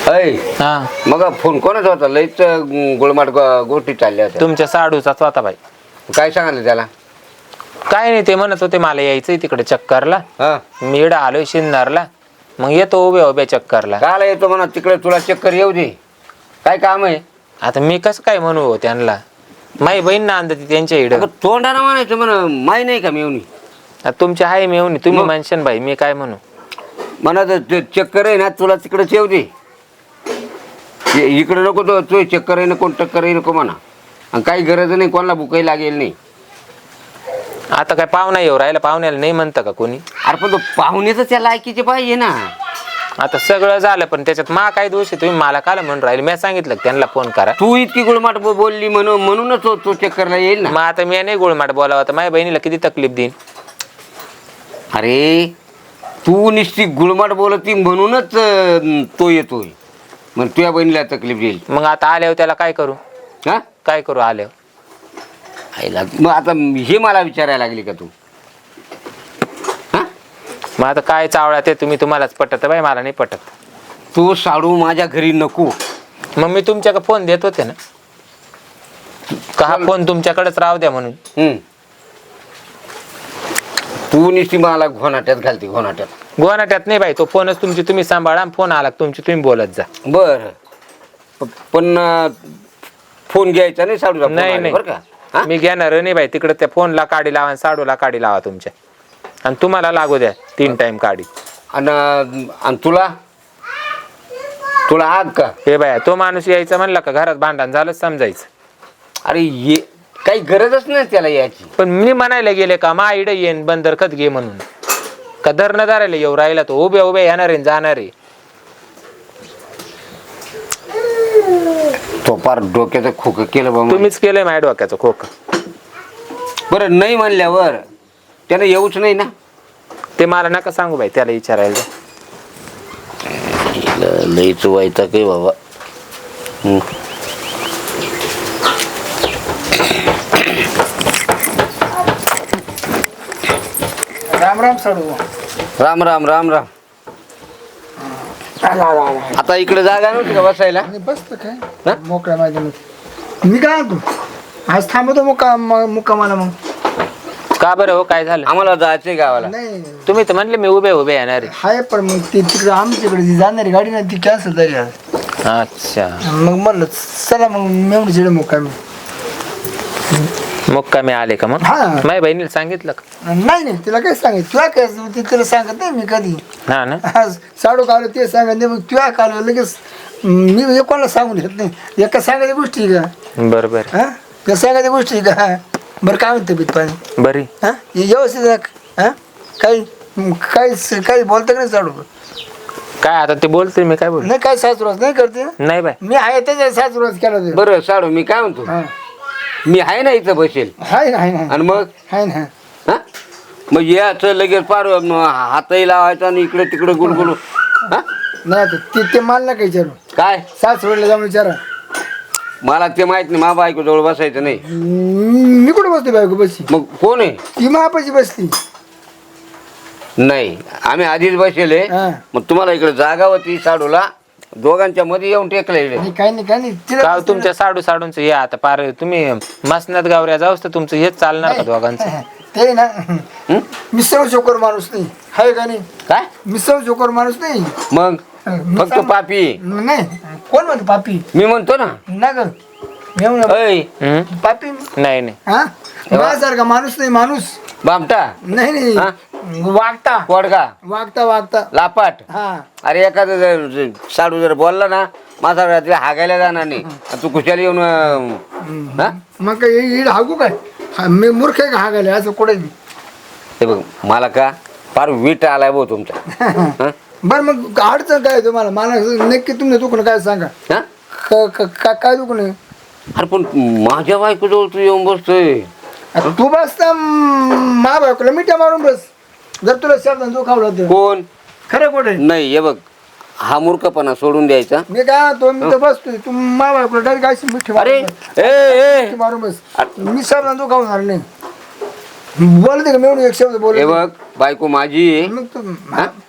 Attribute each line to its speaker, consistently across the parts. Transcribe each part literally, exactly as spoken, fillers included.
Speaker 1: अय
Speaker 2: हा
Speaker 1: मग फोन कोणाचा होता? लईच गुळमाट गो- गोष्टी चालल्या होत्या.
Speaker 2: तुमच्या साडूचाच होता बाई.
Speaker 1: काय सांगायला त्याला?
Speaker 2: काय नाही, ते म्हणत होते मला यायचंय तिकडे चक्करला.
Speaker 1: हा
Speaker 2: मी इकडे आलोय शिन्नरला, मग येतो उभ्या उभ्या चक्करला.
Speaker 1: काला येतो म्हणा तिकडे, तुला चक्कर येऊ दे. काय काम आहे?
Speaker 2: आता मी कसं काय म्हणू हो त्यांना? माई बहीण ना आणते त्यांच्या इकडं.
Speaker 1: अगं तोंडानं म्हणायचं म्हणा, माही नाही का मेवणी?
Speaker 2: तुमच्या आहे मी येऊन तुम्ही
Speaker 1: मग?
Speaker 2: म्हणशान बाई, मी काय म्हणू?
Speaker 1: म्हणा तर चक्कर आहे ना, तुला तिकडेच येऊ दे. इ- इकडे नको तो तू चक्कर आहे ना, कोण टक्कर आहे नको म्हणा. आणि काही गरज नाही, कोणाला भुकाही लागेल नाही.
Speaker 2: आता काय पाहुणा येऊ राहिला, पाहुण्याला नाही म्हणतं का कोणी?
Speaker 1: अरे पण तो पाहुणे तर त्या लायकीचे पाहिजे ना.
Speaker 2: आता सगळं झालं, पण त्याच्यात मा काय दोष आहे? तुम्ही मला काल म्हणून राहिले, मी सांगितलं का त्यांना फोन करा.
Speaker 1: तू इतकी गुळमाट बो- बोलली म्हणून म्हणूनच तो तो चक्करला येईल ना.
Speaker 2: मग आता मी नाही गोळमाट बोलावं, तर माझ्या बहिणीला किती तकलीफ देईन?
Speaker 1: अरे तू निश्चित गुळमाट बोलती म्हणूनच अं, तो येतोय. मग तुझ्या बहिणीला तकलीफ देईल.
Speaker 2: मग आता आल्यावर त्याला काय करू?
Speaker 1: हा
Speaker 2: काय करू आल्यावर?
Speaker 1: आईला मग आता हे मला विचारायला लागली का तू? हा
Speaker 2: मग आता काय चावळा ते तुम्ही, तुम्हालाच पटत बाई, मला नाही पटत.
Speaker 1: तू साडू माझ्या घरी नको.
Speaker 2: मग मी तुमच्याकडे फोन देत होते ना, का हा फोन तुमच्याकडेच राहू द्या म्हणून?
Speaker 1: हम्म. तू निश्चित मला घोनाट्यात घालते, घोनाट्यात.
Speaker 2: गोनाट्यात नाही बाई, तो फोनच तुमची तुम्ही सांभाळा, फोन आला तुमची तुम्ही बोलत जा.
Speaker 1: बर पण अं, फोन घ्यायचा नाही साडूचा फोन
Speaker 2: नाही
Speaker 1: आला बरं का? हा?
Speaker 2: नाही, मी घेणार नाही बाई. तिकडे त्या फोनला काढी लावा आणि साडूला काढी लावा तुमच्या, आणि तुम्हाला लागू द्या तीन टाइम काढी.
Speaker 1: आणि आणि तुला तुला आग का?
Speaker 2: हे बाया, तो माणूस यायचा म्हणला का घरात भांडण झालं समजायचं.
Speaker 1: अरे ये काही गरजच नाही त्याला याची.
Speaker 2: पण मी म्हणायला गेले का मा इडे येईन बंदर खत घे म्हणून, का धरणं धरायला येऊ राहिला तो? उभ्या उभ्या येणार आहे जाणार आहे.
Speaker 1: तो पार डोक्याचं खोकं केलं बा.
Speaker 2: तुम्हीच केलंय माझ्या डोक्याचं खोक.
Speaker 1: बरं नाही म्हणल्यावर त्यानं येऊच नाही ना.
Speaker 2: ते मला नका सांगू बाई, त्याला विचारायला जा.
Speaker 1: लईच व्हायचा काही बाबा. हम्म.
Speaker 3: राम राम साडू.
Speaker 1: राम राम राम राम. आता इकडे जागा नव्हती का बसायला?
Speaker 3: बसत
Speaker 1: हा?
Speaker 3: काय मोकळ्या मैदानात. मी काय तू आज थांबतो मुक्का मुक्कामाला. मग
Speaker 2: का बरं हो, काय झालं?
Speaker 1: आम्हाला जायचंय गावाला.
Speaker 3: नाही
Speaker 2: तुम्ही तर म्हणले मी उभे उभे येणार आहे.
Speaker 3: हाय, पण मग ती तिकडे आमच्याकडे जी जाणारी गाडी ना ती कॅन्सल झाली आज.
Speaker 2: अच्छा,
Speaker 3: मग म्हणलं चला मग मेवणी चिडे मुक्कामी.
Speaker 2: मुक्कामी आले का? मग
Speaker 3: हा.
Speaker 2: माझ्या बहिणीला सांगितलं का?
Speaker 3: नाही नाही तिला काय सांगत, तुला काय ती तिला सांगत नाही मी कधी.
Speaker 2: हा ना.
Speaker 3: आज साडू काल ते सांगत नाही, मग तुला काल लगेच मी कोणाला सांगून घेत नाही. एका सांगायच्या गोष्टी का?
Speaker 2: बरोबर.
Speaker 3: हा त्या सांगायच्या गोष्टी का? बरं काय म्हणते तब्येत पाणी?
Speaker 2: बरी.
Speaker 3: हा हे व्यवस्थित आहे का? हा काही काही काही बोलतं का नाही साडू?
Speaker 2: काय आता ते बोलते, मी काय बोल?
Speaker 3: नाही काय सासुरास नाही करते.
Speaker 2: नाही बाय.
Speaker 3: मी आहे त्याच्या सासुरास केला ते.
Speaker 1: बरं साडू मी काय म्हणतो,
Speaker 3: हा
Speaker 1: मी आहे ना इथं बसेल.
Speaker 3: आहे ना आहे ना
Speaker 1: आणि मग
Speaker 3: आहे ना.
Speaker 1: हा मग याचं लगेच पार म, हातही लावायचा आणि इकडे तिकडे गुलगुलू. हा
Speaker 3: नाही आता ते ते मला नका विचारू.
Speaker 1: काय?
Speaker 3: सासुराला जाऊन विचारा.
Speaker 1: मला ते माहित नाही, मा बायको जवळ बसायचं नाही.
Speaker 3: मी कुठे बसते बायको बसली?
Speaker 1: मग कोण आहे?
Speaker 3: ती महापाशी बसली.
Speaker 1: नाही आम्ही आधीच बसेल आहे.
Speaker 3: हा.
Speaker 1: मग तुम्हाला इकडे जागा होती साडूला, दोघांच्या मध्ये येऊन टेकले.
Speaker 3: नाही काही नाही काही नाही तिला
Speaker 2: का
Speaker 3: बसते
Speaker 2: तुमच्या साडू साडूंच या आता पार तुम्ही मसनात गावऱ्या जाऊस तर तुमचं हेच चालणार का
Speaker 3: नाही.
Speaker 2: दोघांचं?
Speaker 3: ते ना मिसळ चोकर माणूस नाही आहे का नाही?
Speaker 1: काय
Speaker 3: मिसळ चोकर माणूस नाही.
Speaker 1: मग
Speaker 3: मी
Speaker 1: फक्त
Speaker 3: सांग-
Speaker 1: पापी
Speaker 3: नाही कोण म्हणतो पापी?
Speaker 1: मी म्हणतो ना.
Speaker 3: ना ग मेवणं
Speaker 1: ऐ
Speaker 2: हम्म?
Speaker 3: पापी.
Speaker 2: नाही नाही.
Speaker 3: हा माझ्यासारखा माणूस नाही. माणूस
Speaker 1: बामटा,
Speaker 3: नाही
Speaker 1: हा?
Speaker 3: नाही वागता
Speaker 1: कोडगा,
Speaker 3: वागता वागता.
Speaker 1: लापाट.
Speaker 3: हा
Speaker 1: अरे एखादं जर- जर साडू जर बोलला ना, माझा रात्री हागायला जाणार नाही. आणि तू कुशाला येऊन अं, हा?
Speaker 3: मग काय इड हागू काय? हा, मी मूर्ख आहे का हागायला असं कुठे?
Speaker 1: हे बघ मला का फार वीट आलाय भाऊ तुमचा. हा?
Speaker 3: बरं मग अडचण काय आहे तुम्हाला? मला नक्की तुमचं दुखणं काय सांगा.
Speaker 1: हा?
Speaker 3: क- क- का- काय दुखणं आहे?
Speaker 1: अरे पण माझ्या बायको जवळ तू येऊन बसतोय.
Speaker 3: आता तू बसता मा बायकोला मिठ्या मारून बस. जर तुला शब्द दुखावलं तर
Speaker 1: कोण?
Speaker 3: खरं कुठे?
Speaker 1: नाही हे बघ, हा मूर्खपणा सोडून द्यायचा.
Speaker 3: मी काय तो मी तर बसतोय, तू मा बायकोला डायरेक्ट अशी मिठी
Speaker 1: अरे
Speaker 3: मारून
Speaker 1: ए
Speaker 3: मिठी
Speaker 1: ए
Speaker 3: मारून बस. मी शब्द दुखावणार नाही. बोलते का मेवणी एक शब्द बोल.
Speaker 1: हे बघ बायको माझी आहे.
Speaker 3: मग तू
Speaker 1: हा?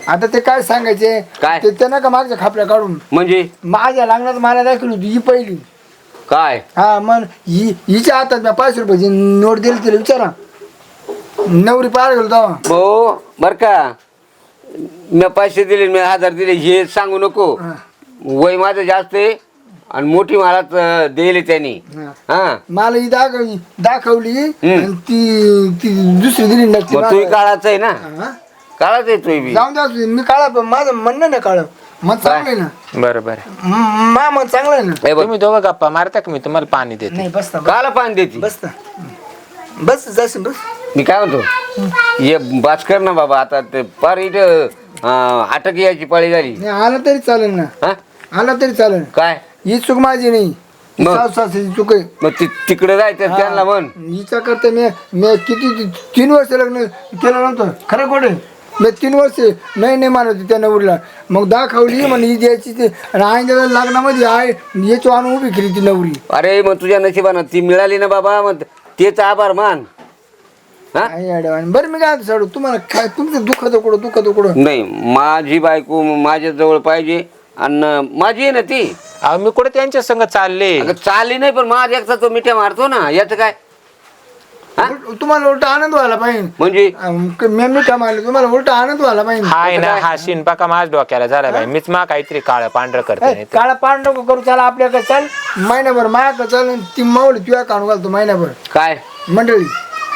Speaker 3: आता ते काय सांगायचे
Speaker 1: काय?
Speaker 3: ते त्यांना का मागच्या खापल्या काढून
Speaker 1: म्हणजे
Speaker 3: माझ्या लग्नात मला दाखवली होती ही पहिली.
Speaker 1: काय
Speaker 3: हा मग ही हिच्या हातात मी पाचशे रुपयाची नोट दिली तिला विचारा. नवरी पाहायला गेलो तेव्हा.
Speaker 1: भाऊ बर का मी पैसे दिले मी हजार दिले हे सांगू नको.
Speaker 3: हा.
Speaker 1: वय माझं जास्त आहे आणि मोठी मला दिली त्यांनी.
Speaker 3: हा.
Speaker 1: हा
Speaker 3: मला ही दाखवली दाखवली आणि ती ती दुसरी दिली नक्की
Speaker 1: मग तू काळाच आहे ना
Speaker 3: हा?
Speaker 1: काळाच आहे तू बी.
Speaker 3: जाऊन द्या मी काळा पण माझं म्हणणं नाही काळ मग चांगलं आहे ना.
Speaker 2: बरं बरं
Speaker 3: म- मा मग चांगलं आहे ना.
Speaker 1: हे बघ,
Speaker 2: तुम्ही दोघं गप्पा मारता का मी तुम्हाला पाणी देते.
Speaker 3: नाही बसता
Speaker 1: काला पाणी देते
Speaker 3: बसता बस जाशील बस.
Speaker 1: मी काय म्हणतो ये बास कर ना बाबा आता ते पार इथं अं, अटक यायची पाळी झाली.
Speaker 3: नाही आला तरी चालेल ना.
Speaker 1: हा
Speaker 3: आला तरी चालेल.
Speaker 1: काय
Speaker 3: ही चूक माझी नाही
Speaker 1: मग?
Speaker 3: सासू सासऱ्याची चूक आहे.
Speaker 1: मग ति तिकडे जायचं त्यांना म्हण
Speaker 3: हिच्या करता मी मी किती तीन वर्ष लग्न केलं नव्हतं खरं खोटे. मी तीन वर्ष नाही नाही मानत होती त्या नवरीला. मग दाखवली म्हणे ही द्यायची ते आणि आईच्या लग्नामध्ये आहे याची आणून उभी केली ती नवरी.
Speaker 1: अरे मग तुझ्या नशिबानं ती मिळाली ना बाबा मग तेच आभार मान. हा
Speaker 3: आई अडवाणी. बरं मी काय साडू तुम्हाला काय तुमचं दुःखाचं कुठं दुःखाचं कुठं.
Speaker 1: नाही माझी बायको माझ्या जवळ पाहिजे आणि माझी आहे ना ती.
Speaker 2: अहो मी कुठे त्यांच्या संग चालले.
Speaker 1: अगं चालली नाही पण माझ्या एकटा तो मिठ्या मारतो ना याचं काय. हा?
Speaker 3: उलट- तुम्हाला उलटा आनंद व्हायला पाहिजे.
Speaker 1: म्हणजे
Speaker 3: अं, क- मी मिठा मारले तुम्हाला उलटा आनंद व्हायला पाहिजे.
Speaker 2: हाय ना हा शिनपा का माझ्या डोक्याला झाला बाई मीच मा काहीतरी काळ पांढरं करते
Speaker 3: ए,
Speaker 2: नाही तर.
Speaker 3: काळा पान नको करू त्याला आपल्याकडे चाल महिनाभर मायाकडे चाल आणि ती मावली तुझ्या काढून घालतो महिनाभर
Speaker 1: काय
Speaker 3: मंडळी.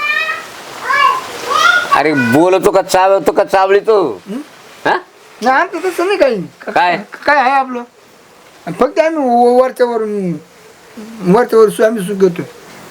Speaker 1: अरे बोलतो का चावतो का चावली तो. हा
Speaker 3: नाही आमचं तसं नाही काही.
Speaker 1: काय?
Speaker 3: काय आहे आपलं फक्त आम्ही व- वरच्या वरून वरच्या वर सु- आम्ही सुख घेतो.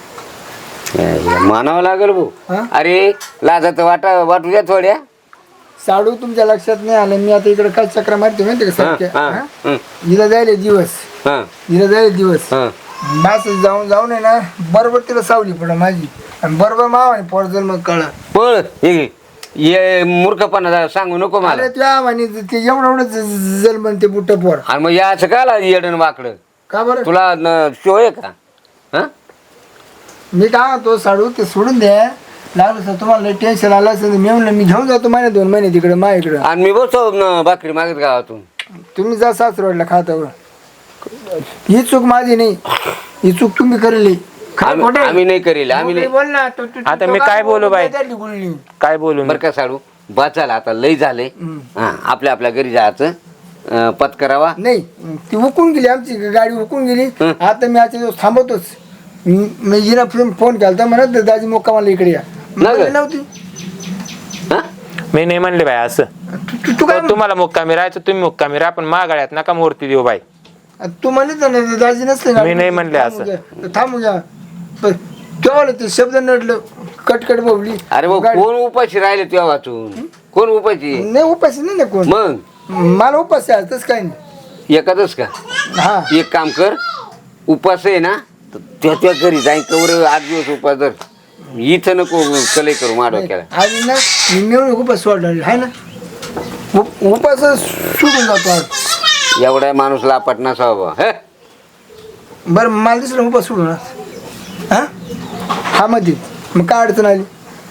Speaker 1: मानावं लागेल भाऊ.
Speaker 3: हा?
Speaker 1: अरे लाजात वाटा वाटू द्या थोड्या.
Speaker 3: साडू तुमच्या लक्षात नाही आलं मी आता इकडे काय चक्र मारते माहिती का
Speaker 1: हा,
Speaker 3: सारख्या
Speaker 1: हा,
Speaker 3: हा?
Speaker 1: हं,
Speaker 3: हिला जायले दिवस
Speaker 1: हं,
Speaker 3: हिला जायले दिवस
Speaker 1: हं.
Speaker 3: बस जाऊन जाऊन आहे ना बरोबर तिला सावली पड माझी आणि बरोबर माव आणि पोरजल मग कळा.
Speaker 1: पळ हे ये मूर्खपणा जरा सांगू नको मला.
Speaker 3: अरे त्या म्हणे ते एवढं एवढं ज- जल म्हणते बुट्ट पोर.
Speaker 1: आणि मग या असं का येडन वाकडं
Speaker 3: का बरं
Speaker 1: तुला न- शो आहे का. हा
Speaker 3: मी काय म्हणतो साडू ते सोडून द्या लागलं सर तुम्हाला टेन्शन आलं असेल तर मी म्हणलं मी घेऊन जातो महिने दोन महिने तिकडे मा इकडं.
Speaker 1: आणि मी बसतो न भाकरी मागत गावातून.
Speaker 3: तुम्ही जा सासरवाडला खातावर. ही चूक माझी नाही ही चूक तुम्ही करेली. खरं
Speaker 1: आम्ही
Speaker 3: खोटं?
Speaker 1: आम्ही नाही करेल आम्ही
Speaker 3: तू
Speaker 1: नाही.
Speaker 3: बोल ना तू- तू-
Speaker 2: आता
Speaker 3: तू
Speaker 2: मी काय बोलू बाई?
Speaker 3: त्यातली गुळणी.
Speaker 2: काय बोलू मी?
Speaker 1: बरं का साडू बचायला आता लय झाले. हा आपल्या आपल्या घरी जायचं अं, पत्करावा.
Speaker 3: नाही ती हुकून गेली आमची गाडी हुकून गेली.
Speaker 1: हं.
Speaker 3: आता मी आजच्या दिवस थांबवतोच. मी मी हिला फोन फोन केला म्हणत दाजी मोक्का मला इकडे या.
Speaker 1: नाही
Speaker 3: म्हणली
Speaker 1: गं.
Speaker 3: नव्हती.
Speaker 1: हा
Speaker 2: मी नाही म्हणले बाई असं.
Speaker 3: तू- तू- तू काय
Speaker 2: हो, तुम्हाला मुक्कामी राहायचं तुम्ही मुक्कामी राहा पण मागाळ्यात नका मूर्ती देऊ बाई.
Speaker 3: तू म्हणली तर ना दाजी नसते
Speaker 2: मी नाही म्हणले असं.
Speaker 3: थांबू घ्या पण तेव्हा ते शब्द नडलं कटकट बोबली.
Speaker 1: अरे भाऊ
Speaker 3: गाडी-
Speaker 1: कोण उपाशी राहिले तुझ्या वाचून कोण उपाशी.
Speaker 3: नाही उपास नाही ना कोण
Speaker 1: मग
Speaker 3: मला उपास आहे तसं काही नाही.
Speaker 1: एखादच का
Speaker 3: हा
Speaker 1: एक काम कर उपास आहे ना तर त्या त्या घरी जाईन कवर आठ दिवस उपास धर. इथं नको कले करू माझ्या डोक्याला.
Speaker 3: आणि ना मी मेवणी उपास सोडला आहे ना उप- उपास सोडून जातो आज.
Speaker 1: एवढा माणूस लापट नसावा हे.
Speaker 3: बरं मला दिसलं उपास सोडून हा हा मध्ये मग काय अडचण आली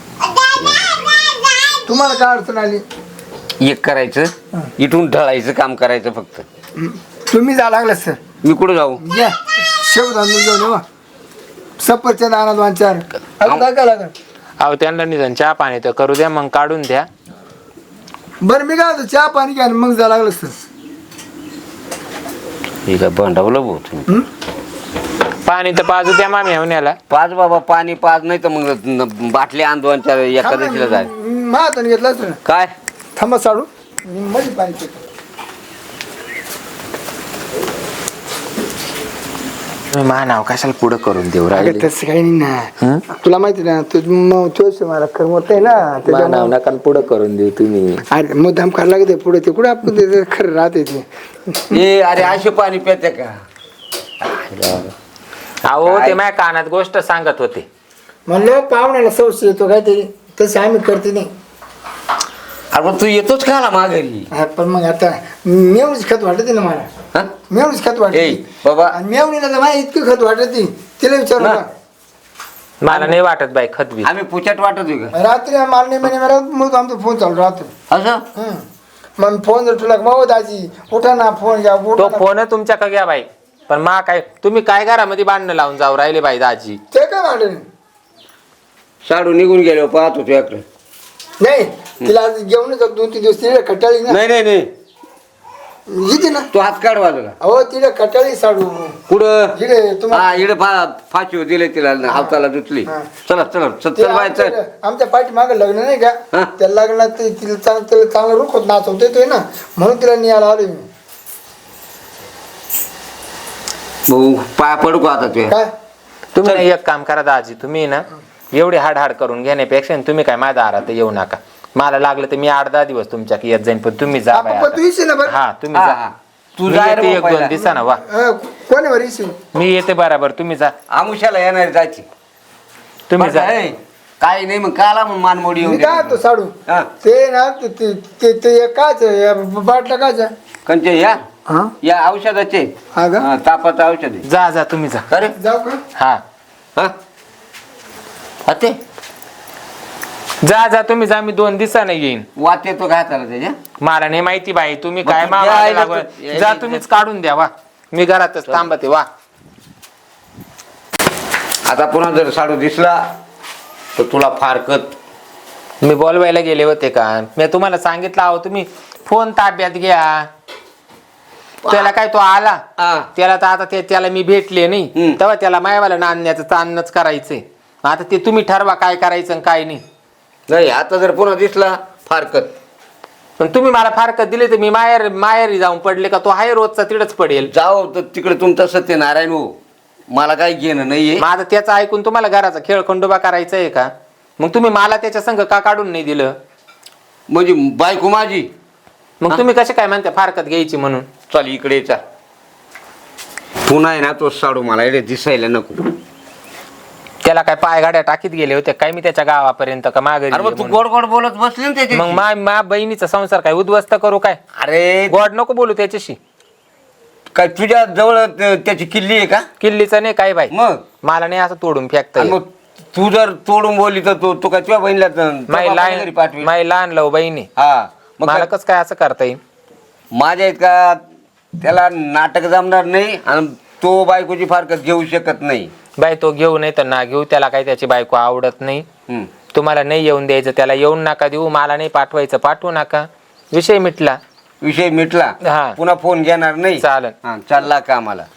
Speaker 3: तुम्हाला काय अडचण आली.
Speaker 1: एक करायचं इथून ढळायचं काम करायचं फक्त.
Speaker 3: हं. तुम्ही जा लागला सर
Speaker 1: मी कुठं जाऊ.
Speaker 3: घ्या शेव धांदून घेऊन येवा सफरचंद आणा दोन चार अजून काय काय लागेल.
Speaker 2: अहो त्यांना निधन चहा पाणी तर करू द्या मग काढून द्या.
Speaker 3: बरं मी काय होतं चहा पाणी घ्या आणि मग जा लागलं सर.
Speaker 1: ठीक आहे बंडावलं भाऊ तुम्ही.
Speaker 3: हं?
Speaker 2: पाणी तर पाजू द्या मामी येऊन्याला.
Speaker 1: पाच बाबा पाणी पाच नाही तर मग न- बाटली आण दोन चार एकादशीला जाय.
Speaker 3: मा हाताने घेतला असतं ना
Speaker 1: काय
Speaker 3: थांबा साडू मी मध्ये पाणी पितो.
Speaker 2: तुम्ही मा नाव कशाला पुढं करून देऊ
Speaker 3: अगं
Speaker 2: राहिले.
Speaker 3: तसं काही नाही
Speaker 2: हं?
Speaker 3: ना तुला माहिती ना तू मग तोच मला करमत आहे ना
Speaker 2: मा नाव
Speaker 3: त्याच्यामुळं-
Speaker 2: नका पुढं करून देऊ तुम्ही.
Speaker 3: अरे मुद्दाम करायला लागते पुढे ते कुठे आपण ते खरं राहते ते.
Speaker 1: ए अरे असे पाणी पिते का.
Speaker 2: अहो ते माझ्या कानात गोष्ट सांगत होते.
Speaker 3: म्हणलं पाहुण्याला संशय येतो काहीतरी तसं आम्ही करते नाही.
Speaker 1: अरे पण तू येतोच का आला माघारी.
Speaker 3: हा, पण मग आता मेवणीच खत वाटते ना मला
Speaker 1: हा?
Speaker 3: मेवणीच खत
Speaker 1: ए
Speaker 3: वाटते
Speaker 1: बाबा
Speaker 3: आणि मेवणीला तर मला इतकी खत वाटते तिला विचारू
Speaker 1: ना.
Speaker 3: का
Speaker 2: मला नाही वाटत बाई खतबी.
Speaker 1: आम्ही पुचट वाटत होय का
Speaker 3: रात्री मारणे महिने मला मग आमचा फोन चालू राहतो.
Speaker 1: असं
Speaker 3: हं. मग फोन जर तुला माव दाजी उठा ना फोन घ्या उठा
Speaker 2: तो
Speaker 3: ना.
Speaker 2: फोन तुमच्या का घ्या बाई, पण मा काय तुम्ही काय घरामध्ये भांडणं लावून जाऊ राहिले बाई दाजी.
Speaker 3: ते काय भांडण
Speaker 1: साडू निघून गेलो पाहतो तुझ्याकडे.
Speaker 3: नाही तिला आज घेऊन जाऊ दोन तीन दिवस तिला कटाळी ना
Speaker 1: नाही नाही नाही
Speaker 3: येते ना.
Speaker 1: तू हात काढ बाजूला.
Speaker 3: अहो तिला कटाळी साडू
Speaker 1: कुठं
Speaker 3: इकडे तुम्हाला
Speaker 1: हा इकडे फा फाशी दिले तिला हाताला दुचली.
Speaker 3: हा.
Speaker 1: चला चला
Speaker 3: ते
Speaker 1: चल बाय चल.
Speaker 3: आमच्या आमच्या पाठी मागे लग्न नाही का
Speaker 1: हा.
Speaker 3: त्या लग्नात ते तिला चांग तिला चांगलं रुख होत नाचवता येतोय ना म्हणून तिला नियाला आलोय मी.
Speaker 1: भाऊ पाय पडू का आता तुझ्या.
Speaker 3: काय
Speaker 2: तुम्ही ना एक काम करा दाजी, तुम्ही ना एवढी हाड हाड करून घेण्यापेक्षा तुम्ही काय माझ्या दारात येऊ नका. मला लागलं तर मी आठ दहा दिवस तुमच्या येत जाईन, पण तुम्ही जा बाई
Speaker 3: आपण
Speaker 2: आता.
Speaker 3: तू येशील ना बरं
Speaker 2: हा तुम्ही
Speaker 1: हा,
Speaker 2: जा.
Speaker 1: हा. तू
Speaker 2: मी
Speaker 1: जा रे
Speaker 2: येते
Speaker 1: भाऊ
Speaker 2: एक दोन
Speaker 1: पहिला.
Speaker 2: दिवसानं वा.
Speaker 3: अं, कोणी बरं येशील
Speaker 2: मी येते बराबर, तुम्ही जा.
Speaker 1: आमुष्याला येणार जायची.
Speaker 2: तुम्ही जा.
Speaker 1: काही नाही मग काला मग मानमोडी
Speaker 3: मी
Speaker 1: येऊन
Speaker 3: काय तो साडू
Speaker 1: हा.
Speaker 3: ते ना ते- ते ते ते काच बाटला काच
Speaker 1: कंचे या
Speaker 3: हा
Speaker 1: या औषधाचे
Speaker 3: हा का
Speaker 1: हा, तापाचं औषध आहे.
Speaker 2: जा जा तुम्ही जा.
Speaker 1: अरे
Speaker 3: जाऊ का
Speaker 2: हा
Speaker 1: हा हा ते
Speaker 2: जा जा तुम्ही जा, मी दोन दिवसानं येईन.
Speaker 1: वात येतो काय त्याला त्याच्या.
Speaker 2: मला नाही माहिती बाई, तुम्ही
Speaker 1: मग
Speaker 2: काय
Speaker 1: तू
Speaker 2: मागायला
Speaker 1: यायला
Speaker 2: लागलाय.
Speaker 1: तू- यायला
Speaker 2: जा
Speaker 1: इथे.
Speaker 2: तुम्हीच काढून द्या वा, मी घरातच थांबते वा.
Speaker 1: आता पुन्हा जर साडू दिसला तर तुला फारकत.
Speaker 2: मी बोलवायला गेले होते का, मी तुम्हाला सांगितलं आहो तुम्ही फोन ताब्यात घ्या. त्याला काय तो आला
Speaker 1: हा.
Speaker 2: त्याला तर आता ते त्याला मी भेटले नाही,
Speaker 1: हम्म.
Speaker 2: तेव्हा त्याला मायवाला नांदण्याचं चांदणच करायचंय. आता ते तुम्ही ठरवा काय करायचं आणि काय नाही.
Speaker 1: नाही आता जर पुन्हा दिसला फारकत.
Speaker 2: पण तुम्ही मला फारकत दिली तर मी माहेर माहेरी जाऊन पडले का, तो हाय रोजचा तिडच पडेल.
Speaker 1: जाओ तर तिकडे तुमचं सत्यनारायण हो, मला काही घेणं नाहीये.
Speaker 2: माझं त्याचं ऐकून तुम्हाला घराचा खेळ खंडोबा करायचा आहे का? मग तुम्ही मला त्याच्या संग का काढून नाही दिलं?
Speaker 1: म्हणजे बायको माझी.
Speaker 2: मग तुम्ही कसे काय म्हणता फारकत घ्यायची म्हणून?
Speaker 1: चल इकडे चा पुन्हा आहे ना तो साडू मला इकडे दिसायला नको.
Speaker 2: त्याला काय पाय गाड्या टाकीत गेले होते काय मी त्याच्या गावापर्यंत का माघारी
Speaker 1: अरे
Speaker 2: ये
Speaker 1: मग तू
Speaker 2: म्हणून?
Speaker 1: गोड गोड बोलत बसली ना
Speaker 2: मग
Speaker 1: त्याच्याशी.
Speaker 2: मा मा बहिणीचा संसार काय उद्ध्वस्त करू काय?
Speaker 1: अरे
Speaker 2: गोड नको बोलू त्याच्याशी.
Speaker 1: काय तुझ्या जवळ त- त्याची किल्ली आहे का
Speaker 2: किल्लीचा नाही काय बाई,
Speaker 1: मग.
Speaker 2: मला नाही असं तोडून फेकता
Speaker 1: आणि
Speaker 2: येत.
Speaker 1: मग तू जर तोडून बोलली तर तू तू काय तुझ्या बहिणीला त-
Speaker 2: माई
Speaker 1: तुझ्या बापाला घरी
Speaker 2: लहान
Speaker 1: पाठवी.
Speaker 2: माई लहान लव बहिणी,
Speaker 1: हा मग
Speaker 2: मला
Speaker 1: काय-
Speaker 2: कस काय असं करता येईल?
Speaker 1: माझ्या इतका त्याला नाटक जमणार नाही आणि तो बायकोची फारकत घेऊ शकत नाही.
Speaker 2: बाई तो घेऊ नाही तर ना घेऊ, त्याला काही त्याची बायको आवडत नाही.
Speaker 1: हम्म.
Speaker 2: तुम्हाला नाही येऊन द्यायचं त्याला येऊन नका देऊ, मला नाही पाठवायचं पाठवू नका, विषय मिटला.
Speaker 1: विषय मिटला.
Speaker 2: हा.
Speaker 1: पुन्हा फोन घेणार नाही.
Speaker 2: चालेल.
Speaker 1: हा चालला का आम्हाला.